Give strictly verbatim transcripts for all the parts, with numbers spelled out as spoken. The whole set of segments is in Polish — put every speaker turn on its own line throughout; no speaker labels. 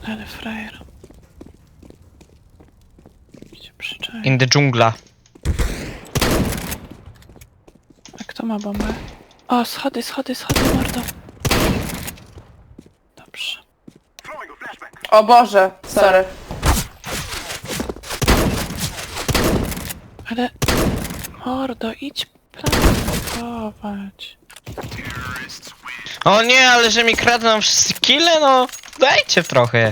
Ale frajer. Gdzie przyczaj?
In the dżungla.
A kto ma bombę? O, schody, schody, schody, mordo. Dobrze.
O Boże, sorry.
Ale... Mordo, idź plantować.
O nie, ale że mi kradną wszyscy kile, no dajcie trochę.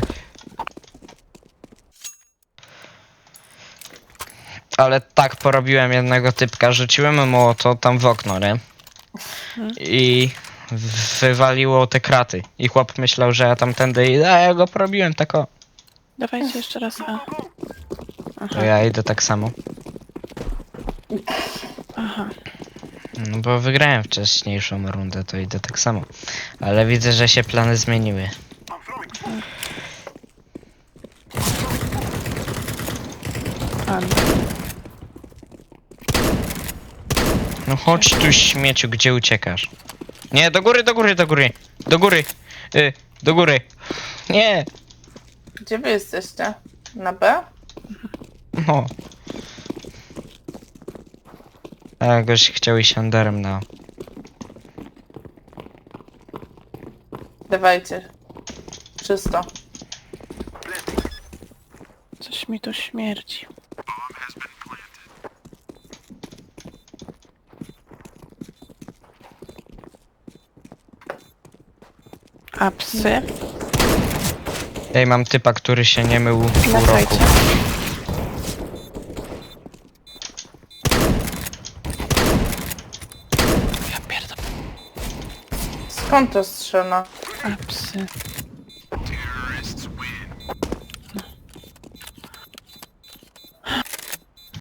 Ale tak porobiłem jednego typka, rzuciłem mu to tam w okno, nie? I wywaliło te kraty. I chłop myślał, że ja tamtędy idę, a ja go porobiłem tak o.
Dawajcie jeszcze raz A. Aha,
To ja idę tak samo.
aha.
No bo wygrałem wcześniejszą rundę, to idę tak samo. Ale widzę, że się plany zmieniły.
Pan.
No chodź tu śmieciu, gdzie uciekasz? Nie, do góry, do góry, do góry. Do góry. Y, do góry. Nie.
Gdzie wy jesteście? Na B?
No. A goś chciał iść underem na...
Dawajcie. Czysto.
Coś mi tu śmierdzi. A psy?
Ej, mam typa, który się nie mył pół roku.
Lecajcie. Ja pierdolę.
Skąd to strzela?
A psy.